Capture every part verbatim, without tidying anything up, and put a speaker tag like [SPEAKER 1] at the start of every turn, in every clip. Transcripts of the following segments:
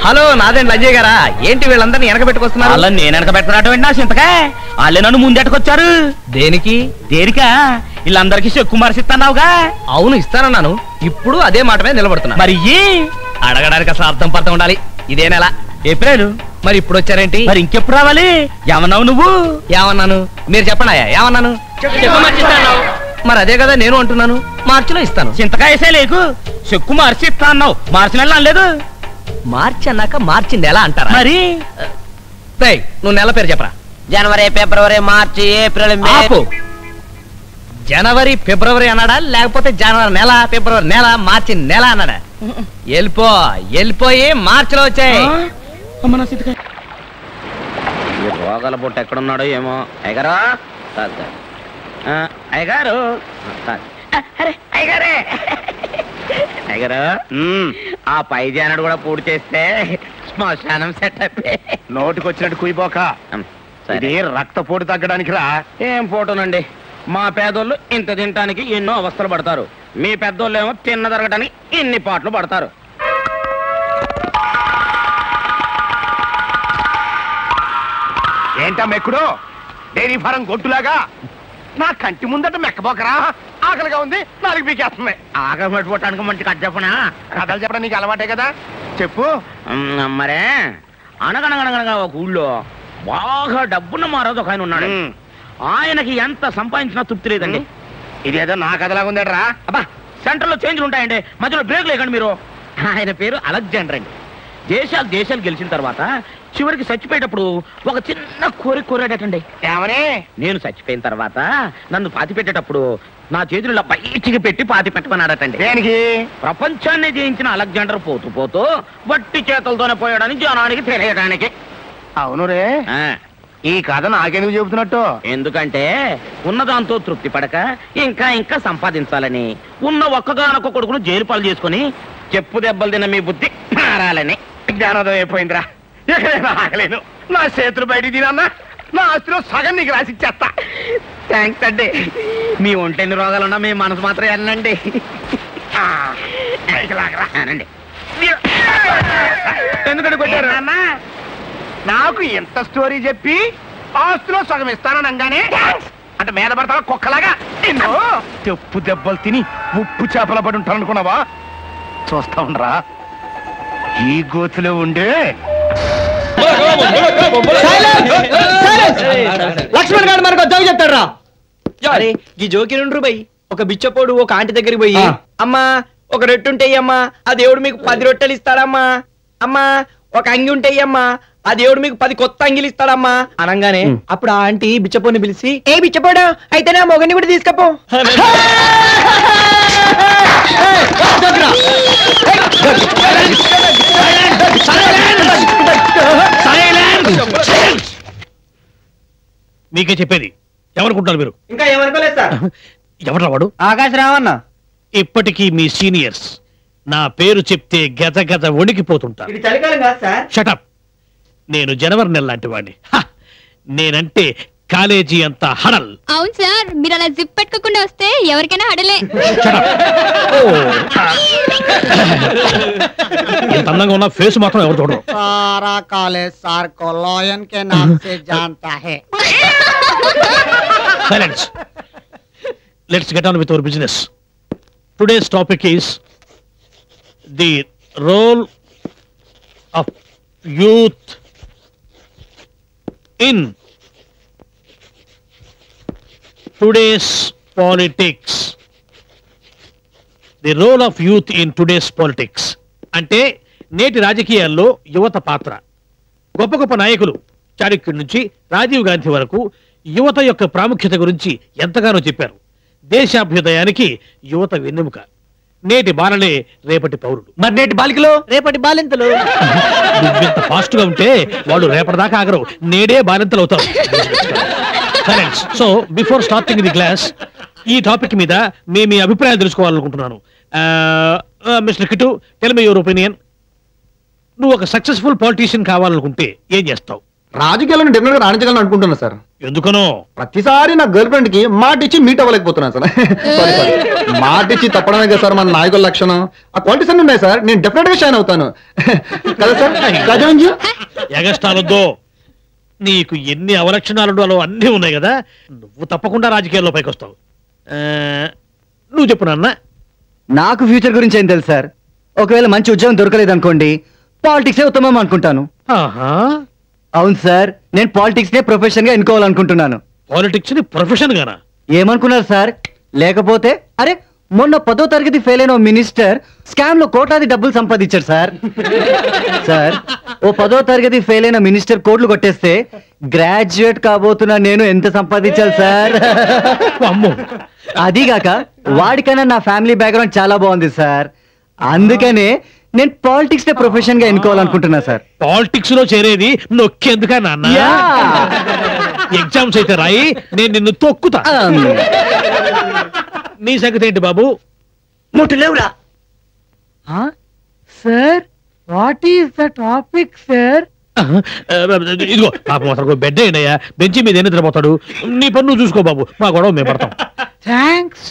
[SPEAKER 1] Hello నాదేండి Ajay గారా? ఏంటి వీళ్ళందరినీ వెనక పెట్టుకొస్తున్నారు?
[SPEAKER 2] వాళ్ళని నేను వెనక పెట్టుకున్నటువంటి నా చింతకా వాళ్ళే నన్ను ముందెట్టుకొచ్చారు.
[SPEAKER 1] దేనికి?
[SPEAKER 2] దేనికా? వీళ్ళందరికీ చెక్కు మరిసిస్తున్నావుగా.
[SPEAKER 1] అవును ఇస్తానన్నాను. ఇప్పుడు అదే మాట మీద నిలబడుతున్నా.
[SPEAKER 2] మరి
[SPEAKER 1] అడగడానికి అసలు అర్థం పర్థం ఉండాలి. ఇదే నెల
[SPEAKER 2] ఏప్రిల్.
[SPEAKER 1] మరి ఇప్పుడు వచ్చారేంటి?
[SPEAKER 2] మరి ఇంకెప్పుడు రావాలి? ఏమన్నావు నువ్వు?
[SPEAKER 1] ఏమన్నాను? మీరు చెప్పండి. ఏమన్నాను? మరి అదే కదా నేను అంటున్నాను. మార్చిలో ఇస్తాను.
[SPEAKER 2] చింతకాయ వేసే లేకు చెక్కు మార్చి ఇస్తా అన్నావు. మార్చి నెల అనలేదు.
[SPEAKER 1] మార్చి అన్నాక మార్చి నెల అంటారా?
[SPEAKER 2] మరి
[SPEAKER 1] నువ్వు నెల పేరు చెప్పరా.
[SPEAKER 3] జనవరి, ఫిబ్రవరి, మార్చి, ఏప్రిల్, మే.
[SPEAKER 1] జనవరి ఫిబ్రవరి అన్నాడా లేకపోతే జనవరి నెల ఫిబ్రవరి నెల మార్చి నెల అన్నాడా? వెళ్ళిపో వెళ్ళిపోయి మార్చిలో వచ్చాయి.
[SPEAKER 3] రోగాల బొట్టు ఎక్కడున్నాడో ఏమో. అయ్యగారా అయ్యగారు అయ్యగారే అయ్యగారు ఆ పై జానడు కూడా పూర్తి చేస్తే శ్మశానం సెట్ అయిపోయి
[SPEAKER 4] నోటికి వచ్చినట్టు కుయిపోక. ఇది రక్తపోటు తగ్గడానికి రా.
[SPEAKER 3] ఏం పోటునండి, మా పేదోళ్ళు ఇంత తినటానికి ఎన్నో అవస్థలు పడతారు. మీ పెద్దోళ్ళు ఏమో తిన్న తరగటానికి ఇన్ని పాటలు పడతారు.
[SPEAKER 4] ఏంటా మెక్కుడు? డైరీ ఫారం గొట్టులాగా నా కంటి ముందట మెక్కబోకరా. ఆకలిగా ఉంది, నాలుగు పీకేస్తుంది.
[SPEAKER 3] ఆకలి పట్టుకోవటానికి మంచి కథ చెప్పనా?
[SPEAKER 4] కథలు చెప్పడం నీకు అలవాటే కదా, చెప్పు.
[SPEAKER 3] మరే అనగనగనగనగా ఒక ఊళ్ళో బాగా డబ్బున్న మారాదు ఒక ఆయన ఉన్నాడు. ఆయనకి ఎంత సంపాదించినా తృప్తి లేదండి.
[SPEAKER 4] ఇదేదో నా కథలాగా ఉందేట్రా.
[SPEAKER 3] అబ్బా, సెంటర్ లో చేంజ్లు ఉంటాయండి, మధ్యలో బ్రేక్ లేకండి మీరు. ఆయన పేరు అలెగ్జాండర్ అండి. దేశాలు దేశాలు గెలిచిన తర్వాత చివరికి చచ్చిపోయేటప్పుడు ఒక చిన్న కోరిక కోరాడటండి.
[SPEAKER 4] ఏమని?
[SPEAKER 3] నేను చచ్చిపోయిన తర్వాత నన్ను పాతి పెట్టేటప్పుడు నా చేతులు బయటికి పెట్టి పాతి పెట్టమన్నాడటండి.
[SPEAKER 4] దేనికి?
[SPEAKER 3] ప్రపంచాన్ని జయించిన అలెగ్జాండర్ పోతూ పోతూ వట్టి చేతులతోనే పోయాడని జనానికి తెలియడానికి.
[SPEAKER 4] అవును రే, ఈ కథ నాకెందుకు చెబుతున్నట్టు?
[SPEAKER 3] ఎందుకంటే ఉన్నదాంతో తృప్తి పడక ఇంకా ఇంకా సంపాదించాలని, ఉన్న ఒక్కగానొక్క కొడుకును జైలు పాలు చేసుకుని చెప్పు దెబ్బలు తిన్న మీ బుద్ధి మారాలని.
[SPEAKER 4] జ్ఞానోదయం అయిపోయిందిరా. ఎక్కడైనా ఆగలేను. నా చేతులు బయటికి తినన్నా నా ఆస్తిలో సగం నీకు రాసిచ్చేస్తా.
[SPEAKER 3] థ్యాంక్స్ అండి. మీ ఒంటెన్ని రోగాలున్నా మీ మనసు మాత్రం వెళ్ళండి.
[SPEAKER 4] ఎందుకంటే కొట్టారు? నాకు ఎంత స్టోరీ చెప్పి ఆస్తిలో సగం ఇస్తాననగానే అంటే మీద పడతావా కుక్కలాగా? చెప్పు దెబ్బలు తిని ఉప్పు చేపల పడి ఉంటాను అనుకున్నావా? చూస్తా ఉండరా ఈ గోతులో ఉండే.
[SPEAKER 1] లక్ష్మణ్ గారు మనకు జోకి చెప్తాడు. ఈ జోకి నుండి పోయి ఒక బిచ్చపోడు ఒక ఆంటీ దగ్గరికి పోయి, అమ్మా ఒక రొట్టె ఉంటాయి అమ్మా, ఆ దేవుడు మీకు పది రొట్టెలు ఇస్తాడమ్మా. అమ్మా ఒక అంగి ఉంటాయి అమ్మా, ఆ దేవుడు మీకు పది కొత్త అంగిలు ఇస్తాడమ్మా అనగానే అప్పుడు ఆ ఆంటీ బిచ్చపోని పిలిచి, ఏ బిచ్చపోడా అయితే నా మొగని కూడా తీసుకపో.
[SPEAKER 5] మీకే చెప్పేది. ఎవరుకుంటారు మీరు?
[SPEAKER 1] ఇంకా ఏమనుకోలేదు సార్.
[SPEAKER 5] ఎవరు వాడు?
[SPEAKER 1] ఆకాశ రావన్న.
[SPEAKER 5] ఇప్పటికీ మీ సీనియర్స్ నా పేరు చెప్తే గత గత వణికిపోతుంటారు.
[SPEAKER 1] చలికాలం కాదు సార్.
[SPEAKER 5] షటప్. నేను జనవరి నెల లాంటి వాడిని. నేనంటే కాలేజీ అంతా హడల్.
[SPEAKER 6] అవును సార్, మీరు అలా జిప్ పెట్టుకోకుండా వస్తే ఎవరికైనా హడలే.
[SPEAKER 5] ఎంత అందంగా ఉన్న ఫేస్ మాత్రం ఎవరు చూడరు.
[SPEAKER 7] सारा कॉलेज सर को लॉयन के नाम से जानता है.
[SPEAKER 5] Silence. Let's get on with our business. Today's topic is the role of youth in today's politics. The role of youth in today's politics. అంటే నేటి రాజకీయాల్లో యువత పాత్ర. గొప్ప గొప్ప నాయకులు చాణక్యుడి నుంచి రాజీవ్ గాంధీ వరకు యువత యొక్క ప్రాముఖ్యత గురించి ఎంతగానో చెప్పారు. దేశాభ్యుదయానికి యువత వెన్నెముక. నేటి బాలలే రేపటి పౌరులు.
[SPEAKER 1] మరి నేటి బాలికలు రేపటి బాలింతలు.
[SPEAKER 5] నువ్వింత ఫాస్ట్ గా ఉంటే వాళ్ళు రేపటిదాకా ఆగరు, నేడే బాలింతలు అవుతారు. So before starting the class ఈ టాపిక్ మీద మేము మీ అభిప్రాయం తెలుసుకోవాలనుకుంటున్నాను. Mister Kitu, tell me your opinion. నువ్వు ఒక సక్సెస్ఫుల్ పొలిటీషియన్ కావాలనుకుంటే ఏం చేస్తావు?
[SPEAKER 8] రాజకీయాలను డెఫినెట్ గా రాణించగలను అనుకుంటున్నా సార్.
[SPEAKER 5] ఎందుకనో
[SPEAKER 8] ప్రతిసారి నా గర్ల్ ఫ్రెండ్ కి మాట ఇచ్చి మీట్ అవ్వలేకపోతున్నాను సార్. సారీ సారీ మాట ఇచ్చి తప్పడమే కదా సార్ మన నాయకుల లక్షణం. ఆ క్వాలిటీస్ అన్ని ఉన్నాయి సార్, నేను డెఫినెట్ గా షైన్ అవుతాను కదా సార్. కదా
[SPEAKER 5] ఎగస్టాలొద్దు, నీకు ఎన్ని అవలక్షణాలు అన్నీ ఉన్నాయి కదా, నువ్వు తప్పకుండా రాజకీయాల్లో పైకి వస్తావు. నువ్వు చెప్పు నాన్న.
[SPEAKER 9] నాకు ఫ్యూచర్ గురించి ఏం తెలుసు సార్. ఒకవేళ మంచి ఉద్యోగం దొరకలేదు అనుకోండి, పాలిటిక్సే ఉత్తమం అనుకుంటాను. అవును సార్, నేను పాలిటిక్స్ నే ప్రొఫెషన్ గా ఎన్నుకోవాలనుకుంటున్నాను.
[SPEAKER 5] పాలిటిక్స్ ని ప్రొఫెషన్ గానా?
[SPEAKER 9] ఏమనుకున్నారు సార్? లేకపోతే అరే మొన్న పదో తరగతి ఫెయిల్ అయిన మినిస్టర్ స్కామ్ లో కోట్లాది డబ్బులు సంపాదించారు సార్. సార్ ఓ పదో తరగతి ఫెయిల్ అయిన మినిస్టర్ కోట్లు కొట్టేస్తే గ్రాడ్యుయేట్ కాబోతున్నా నేను ఎంత సంపాదించాలి సార్? అదీగాక వాడికన్నా నా ఫ్యామిలీ బ్యాక్గ్రౌండ్ చాలా బాగుంది సార్. అందుకనే నేను పాలిటిక్స్ నే ప్రొఫెషన్ గా ఎన్నుకోవాలనుకుంటున్నా సార్.
[SPEAKER 5] పాలిటిక్స్ లో చేరేది నొక్కేందుకా నాన్న? ఎగ్జామ్స్ అయితే రాయి, నేను నిన్ను తొక్కుతా. నీ సంగతి ఏంటి బాబు?
[SPEAKER 9] ముట్టు లేవురా sir. What is the topic sir?
[SPEAKER 5] ఇదిగో పాపం అసలు బెడ్ అయినయ్యా, బెంచి మీద ఎన్ని నిద్రపోతాడు. నీ పన్ను నువ్వు చూసుకో బాబు, మా గొడవ మేము పడతాం.
[SPEAKER 9] థ్యాంక్స్.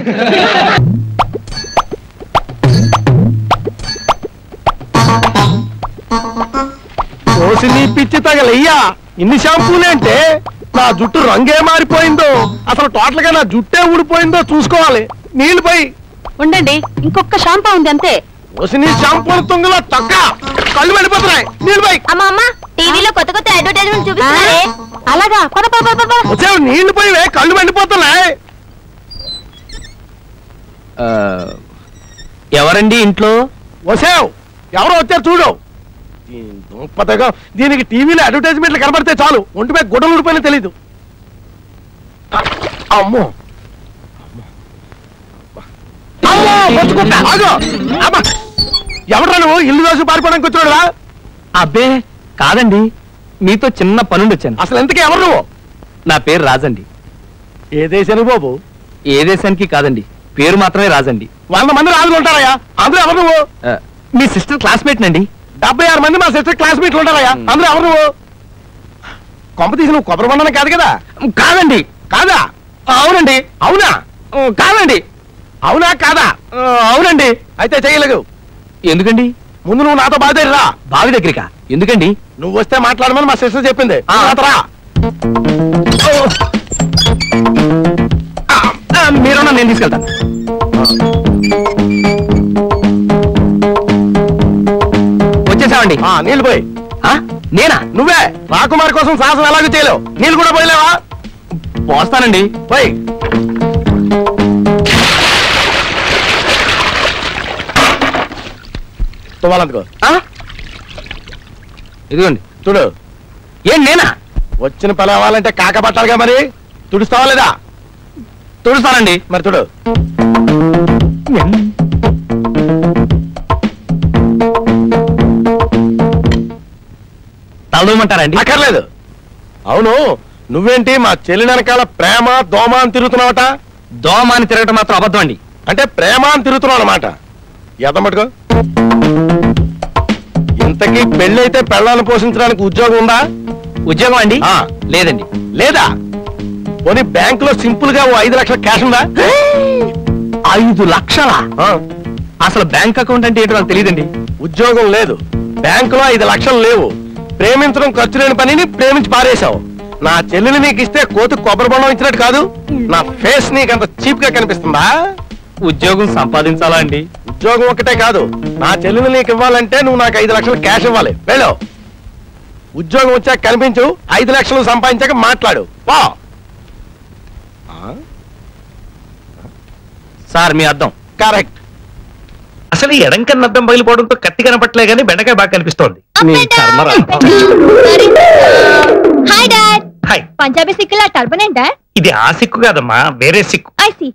[SPEAKER 4] నీ పిచ్చి తగలయ్యా, ఇన్ని షాంపూలేంటే నా జుట్టు రంగే మారిపోయిందో, అసలు టోటల్ గా నా జుట్టే ఊడిపోయిందో చూసుకోవాలి. నీళ్ళు పోయి
[SPEAKER 10] ఉండండి, ఇంకొక షాంపూ ఉంది అంతే.
[SPEAKER 4] నీ షాంపూల తుంగలో తొక్క కళ్ళు వెళ్ళిపోతున్నాయి. నీళ్ళు పోయి.
[SPEAKER 10] అమ్మా అమ్మా, టీవీలో కొత్త కొత్త అడ్వర్టైజ్మెంట్ చూపిస్తున్నారే. అలాగా పద పద పద.
[SPEAKER 4] వచ్చావు, నీళ్లు పోయి కళ్ళు వెళ్ళిపోతున్నాయి.
[SPEAKER 2] ఎవరండి ఇంట్లో?
[SPEAKER 4] వచ్చావు, ఎవరో వచ్చారు చూడు. దుంపతగా దీనికి టీవీలో అడ్వర్టైజ్మెంట్లు కనబడితే చాలు ఒంటిపై గుడ్డలు ఊడిపోయినా తెలీదు. అమ్మో ఎవడ్రా నువ్వు? ఇల్లు దోసి పారిపోవడానికి వచ్చాడురా?
[SPEAKER 2] అబ్బే కాదండి, మీతో చిన్న పనుండి వచ్చాను.
[SPEAKER 4] అసలు ఎంతకీ ఎవరు నువ్వు?
[SPEAKER 2] నా పేరు రాజండి.
[SPEAKER 4] ఏ దేశానికి బాబు?
[SPEAKER 2] ఏ దేశానికి కాదండి, పేరు మాత్రమే రాజండి.
[SPEAKER 4] వంద మంది రాజులు ఉంటారయ్యా, అందులో ఎవరు నువ్వు?
[SPEAKER 2] మీ సిస్టర్ క్లాస్మేట్ నండి.
[SPEAKER 4] డెబ్బై ఆరు మంది మా సిస్టర్ క్లాస్మేట్లు ఉంటారయ్యా, అందులో ఎవరు నువ్వు? కొంప తీసి నువ్వు కొబ్బరి బండనే కాదు కదా?
[SPEAKER 2] కాదండి.
[SPEAKER 4] కాదా? అవునండి. అవునా? కాదండి. అవునా కాదా? అవునండి. అయితే చేయలేదు.
[SPEAKER 2] ఎందుకండి?
[SPEAKER 4] ముందు నువ్వు నాతో బావి దగ్గర రా.
[SPEAKER 2] బావి దగ్గరికా? ఎందుకండి?
[SPEAKER 4] నువ్వు వస్తే మాట్లాడమని మా సిస్టర్ చెప్పింది. రా.
[SPEAKER 2] మీరున్నా, నేను తీసుకెళ్తాను. వచ్చేసామండి.
[SPEAKER 4] నీళ్ళు పోయి.
[SPEAKER 2] నేనా?
[SPEAKER 4] నువ్వే. రాకుమారి కోసం సాహసం ఎలాగో చేయలేవు, నీళ్ళు కూడా పోయలేవా?
[SPEAKER 2] పోస్తానండి.
[SPEAKER 4] పోయి. తువ్వాలందుకో.
[SPEAKER 2] ఇదిగోండి.
[SPEAKER 4] చూడు.
[SPEAKER 2] ఏం నేనా?
[SPEAKER 4] వచ్చిన పని అవ్వాలంటే కాక పట్టాలిగా, మరి తుడుస్తావా లేదా?
[SPEAKER 2] తుడుస్తానండి.
[SPEAKER 4] మరి చూడు.
[SPEAKER 2] తలదూమంటారండి?
[SPEAKER 4] అక్కర్లేదు. అవును, నువ్వేంటి మా చెల్లి వెనకాల ప్రేమ దోమ అని తిరుగుతున్నావట?
[SPEAKER 2] దోమ అని తిరగటం మాత్రం అబద్ధం అండి.
[SPEAKER 4] అంటే ప్రేమ అని తిరుగుతున్నావు అన్నమాట. ఎదమటుకో. ఇంతకీ పెళ్ళైతే పెళ్ళాలను పోషించడానికి ఉద్యోగం ఉందా?
[SPEAKER 2] ఉద్యోగం అండి? లేదండి.
[SPEAKER 4] లేదా? పోనీ బ్యాంకులో సింపుల్ గా ఓ ఐదు లక్షల క్యాష్ ఉందా?
[SPEAKER 2] ఐదు లక్షలా? అసలు బ్యాంక్ అకౌంట్ అంటే ఏంటో నాకు తెలియదండి.
[SPEAKER 4] ఉద్యోగం లేదు, బ్యాంకులో ఐదు లక్షలు లేవు. ప్రేమించడం ఖర్చు లేని పనిని ప్రేమించి పారేశావు. నా చెల్లెలు నీకు ఇస్తే కోతి కొబ్బరి బొండం ఇచ్చినట్టు కాదు. నా ఫేస్ నీకంత చీప్ గా కనిపిస్తుందా?
[SPEAKER 2] ఉద్యోగం సంపాదించాలా అండి?
[SPEAKER 4] ఉద్యోగం ఒకటే కాదు, నా చెల్లెలు నీకు ఇవ్వాలంటే నువ్వు నాకు ఐదు లక్షలు క్యాష్ ఇవ్వాలి. వెళ్ళు. ఉద్యోగం వచ్చాక కనిపించు, ఐదు లక్షలు సంపాదించాక మాట్లాడు. వా.
[SPEAKER 2] సార్ మీ అర్థం
[SPEAKER 4] కరెక్ట్.
[SPEAKER 5] అసలు ఈ ఎడం కన్నా అద్దం పగిలిపోవడంతో కత్తి కనపట్లే గానీ బెండకాయ బాగా కనిపిస్తోంది.
[SPEAKER 6] Hi dad.
[SPEAKER 5] హాయ్.
[SPEAKER 6] పంజాబీ సిక్కులా టర్బన్ ఏంటా?
[SPEAKER 5] ఇది ఆ సిక్కు కాదమ్మా, వేరే సిక్కు.
[SPEAKER 6] I see.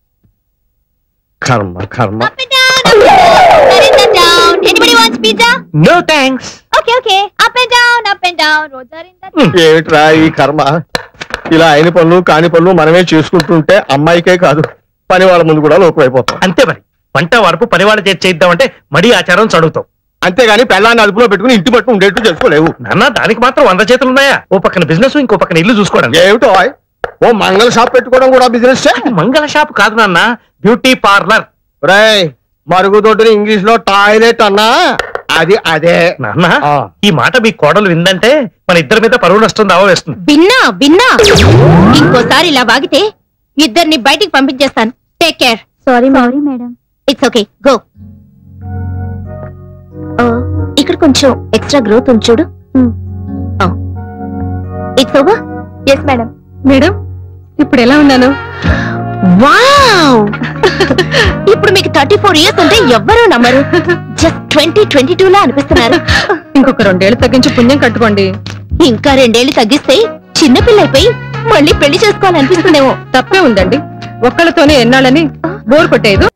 [SPEAKER 5] కర్మ కర్మ.
[SPEAKER 6] Up and down, up and down, Narendra down. Anybody wants pizza?
[SPEAKER 5] No thanks.
[SPEAKER 6] Okay, okay. Up and down, up and down. Roads are in the
[SPEAKER 8] ఏమిట్రా ఈ కర్మ? ఇలా అయిన పనులు కాని పనులు మనమే చేసుకుంటుంటే అమ్మాయికే కాదు పని వాళ్ళ ముందు కూడా లోకమైపోతాం.
[SPEAKER 5] అంతే మరి. వంట వరపు పనివాళ్ళ చేతి చేద్దామంటే మడి ఆచారం చదువుతాం.
[SPEAKER 2] అంతేగాని పెళ్ళాన్ని అదుపులో పెట్టుకుని ఇంటి పట్టు ఉండేట్టు చేసుకోలేవు.
[SPEAKER 11] నాన్న దానికి మాత్రం వంద చేతులు ఉన్నాయా? ఓ పక్కన బిజినెస్, ఇంకో పక్కన ఇల్లు చూసుకోవడం.
[SPEAKER 2] ఏమిటో ఓ మంగళ షాప్ పెట్టుకోవడం కూడా బిజినెస్.
[SPEAKER 11] మంగళ షాప్ కాదు నాన్న, బ్యూటీ పార్లర్.
[SPEAKER 2] రేయ్ మరుగుదొడ్డిని ఇంగ్లీష్ లో టాయిలెట్ అన్నా అది అదే.
[SPEAKER 11] నాన్న ఈ మాట మీ కోడలు విందంటే మన ఇద్దరి మీద పరువు నష్టం దావా వేస్తుంది.
[SPEAKER 10] విన్నా విన్నా ఇంకోసారి ఇలా వాగితే ఇద్దరిని బయటికి పంపించేస్తాను. Take care. Sorry sorry madam. It's okay go. ఇక్కడ కొంచెం ఎక్స్ట్రా గ్రోత్ ఉంది చూడు. It's over. Yes madam. Madam ఇప్పుడు ఎలా ఉన్నాను? వావ్ ఇప్పుడు మీకు థర్టీ ఫోర్ ఇయర్స్ అంటే ఎవ్వరూ నమ్మరు. జస్ట్ ట్వంటీ ట్వంటీ టూ లా అనిపిస్తున్నారు. ఇంకొక రెండేళ్లు తగ్గించి పుణ్యం కట్టుకోండి. ఇంకా రెండేళ్లు తగ్గిస్తే చిన్నపిల్లైపోయి మళ్ళీ పెళ్లి చేసుకోవాలనిపిస్తుందేమో. తప్పే ఉందండి, ఒక్కళ్ళతోనే ఎన్నాళ్ళని బోర్ కొట్టేదు.